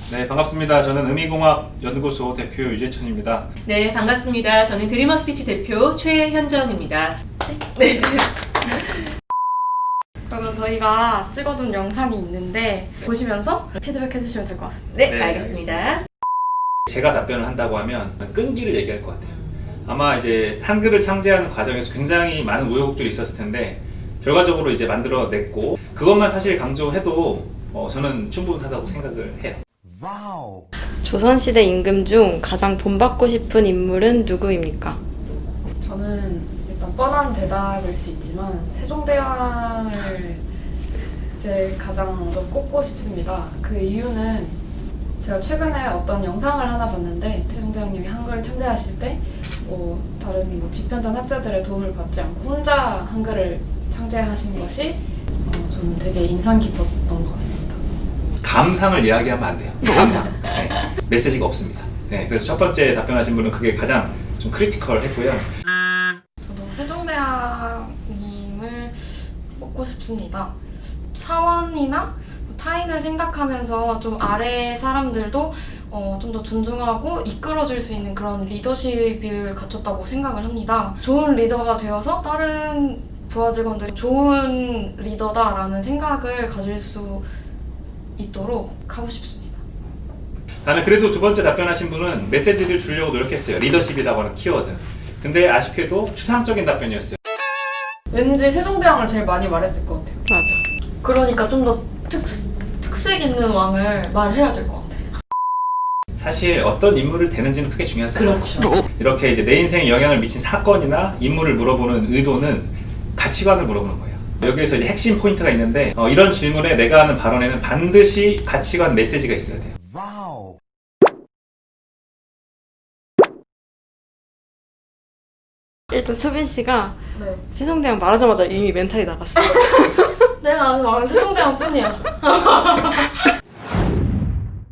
네, 반갑습니다. 저는 의미공학연구소 대표 유재천입니다. 네, 반갑습니다. 저는 드리머 스피치 대표 최현정입니다. 네. 그러면 저희가 찍어둔 영상이 있는데 보시면서 피드백 해주시면 될 것 같습니다. 네, 네, 알겠습니다. 제가 답변을 한다고 하면 끈기를 얘기할 것 같아요. 아마 이제 한글을 창제하는 과정에서 굉장히 많은 우여곡절이 있었을 텐데 결과적으로 이제 만들어냈고 그것만 사실 강조해도 저는 충분하다고 생각을 해요. 조선시대 임금 중 가장 본받고 싶은 인물은 누구입니까? 저는 일단 뻔한 대답일 수 있지만 세종대왕을 이제 가장 먼저 꼽고 싶습니다. 그 이유는 제가 최근에 어떤 영상을 하나 봤는데 세종대왕님이 한글을 창제하실 때 다른 지편전 학자들의 도움을 받지 않고 혼자 한글을 창제하신 것이 저는 되게 인상 깊었던 것 같습니다. 감상을 이야기하면 안 돼요. 감상. 네. 메시지가 없습니다. 네, 그래서 첫 번째 답변하신 분은 그게 가장 좀 크리티컬했고요. 저도 세종대왕님을 뽑고 싶습니다. 사원이나 타인을 생각하면서 좀 아래 사람들도 좀 더 존중하고 이끌어줄 수 있는 그런 리더십을 갖췄다고 생각을 합니다. 좋은 리더가 되어서 다른 부하 직원들이 좋은 리더다라는 생각을 가질 수 있도록 하고 싶습니다. 나는 그래도 두 번째 답변하신 분은 메시지를 주려고 노력했어요. 리더십이라고 하는 키워드. 근데 아쉽게도 추상적인 답변이었어요. 왠지 세종대왕을 제일 많이 말했을 것 같아요. 맞아. 그러니까 좀 더 특색 있는 왕을 말해야 될 것 같아요. 사실 어떤 인물을 대는지는 크게 중요하지 않아요. 그렇죠. 이렇게 이제 내 인생에 영향을 미친 사건이나 인물을 물어보는 의도는 가치관을 물어보는 거예요. 여기에서 이제 핵심 포인트가 있는데 이런 질문에 내가 하는 발언에는 반드시 가치관 메시지가 있어야 돼요. 일단 수빈 씨가 네. 세종대왕 말하자마자 이미 멘탈이 나갔어. 내가 아는 왕은 세종대왕 뿐이야.